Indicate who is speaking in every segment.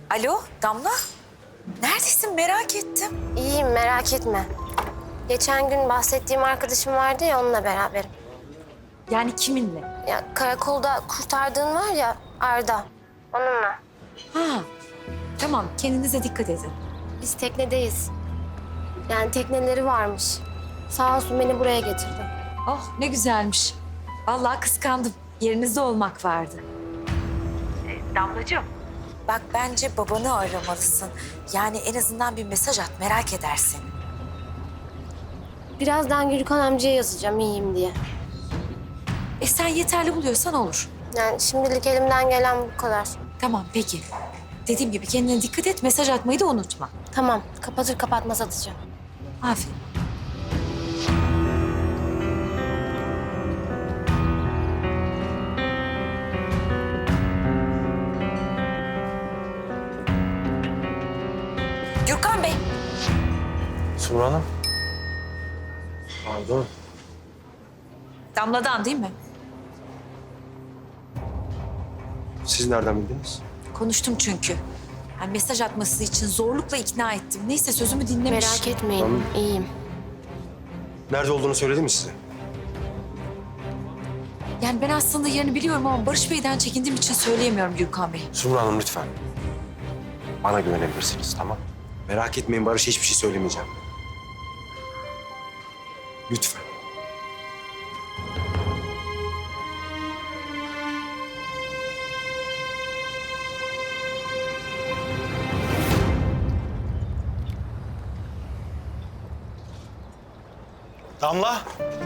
Speaker 1: Alo Damla. Neredesin merak ettim.
Speaker 2: İyiyim, merak etme. Geçen gün bahsettiğim arkadaşım vardı ya, onunla beraberim.
Speaker 1: Yani kiminle?
Speaker 2: Ya karakolda kurtardığın var ya, Arda. Onunla.
Speaker 1: Ha tamam kendinize dikkat edin.
Speaker 2: Biz teknedeyiz. Yani tekneleri varmış. Sağ olsun beni buraya getirdi.
Speaker 1: Oh ne güzelmiş. Vallahi kıskandım. Yerinizde olmak vardı. Damlacığım. Bak bence babanı aramalısın. Yani en azından bir mesaj at merak edersin.
Speaker 2: Birazdan Gülkan amcaya yazacağım iyiyim diye.
Speaker 1: Sen yeterli buluyorsan olur.
Speaker 2: Yani şimdilik elimden gelen bu kadar.
Speaker 1: Tamam peki. Dediğim gibi kendine dikkat et mesaj atmayı da unutma.
Speaker 2: Tamam, kapatır kapatmaz atacağım.
Speaker 1: Aferin. Gürkan Bey.
Speaker 3: Sumru Hanım. Pardon.
Speaker 1: Damladan değil mi?
Speaker 3: Siz nereden bildiniz?
Speaker 1: Konuştum çünkü. Yani mesaj atması için zorlukla ikna ettim. Neyse sözümü dinlemiş.
Speaker 2: Merak etmeyin,
Speaker 3: Tamam.
Speaker 2: iyiyim.
Speaker 3: Nerede olduğunu söyledi mi size?
Speaker 1: Yani ben aslında yerini biliyorum ama Barış Bey'den çekindiğim için söyleyemiyorum Gürkan Bey.
Speaker 3: Sumru Hanım lütfen. Bana güvenebilirsiniz, tamam? Merak etmeyin, Barış'a hiçbir şey söylemeyeceğim. Lütfen. Damla.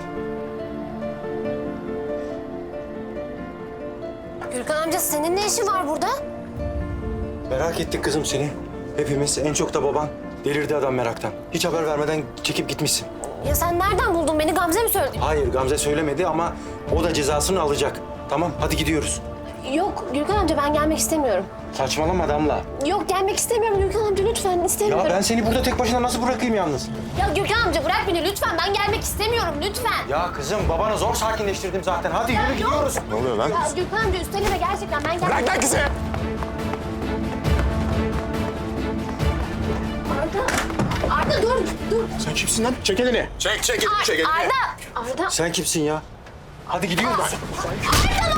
Speaker 2: Gülkan amca senin ne işin var burada?
Speaker 3: Merak ettik kızım seni. Hepimiz, en çok da baban. Delirdi adam meraktan. Hiç haber vermeden çekip gitmişsin.
Speaker 2: Ya sen nereden buldun beni? Gamze mi söyledi?
Speaker 3: Hayır, Gamze söylemedi ama o da cezasını alacak. Tamam, hadi gidiyoruz.
Speaker 2: Yok Gülkan amca ben gelmek istemiyorum.
Speaker 3: Saçmalama Damla.
Speaker 2: Yok gelmek istemiyorum Gülkan amca lütfen istemiyorum.
Speaker 3: Ya ben seni burada tek başına nasıl bırakayım yalnız?
Speaker 2: Ya Gülkan amca bırak beni lütfen ben gelmek istemiyorum lütfen.
Speaker 3: Ya kızım babanı zor sakinleştirdim zaten. Hadi yürü gidiyoruz. Ne oluyor lan?
Speaker 2: Ya Gülkan amca üsteleme gerçekten ben gelmek...
Speaker 3: Bırak lan kızı.
Speaker 2: Arda dur dur.
Speaker 3: Sen kimsin lan? Çek elini. Çek elini.
Speaker 2: Arda.
Speaker 3: Sen kimsin ya? Hadi gidiyoruz.
Speaker 2: Arda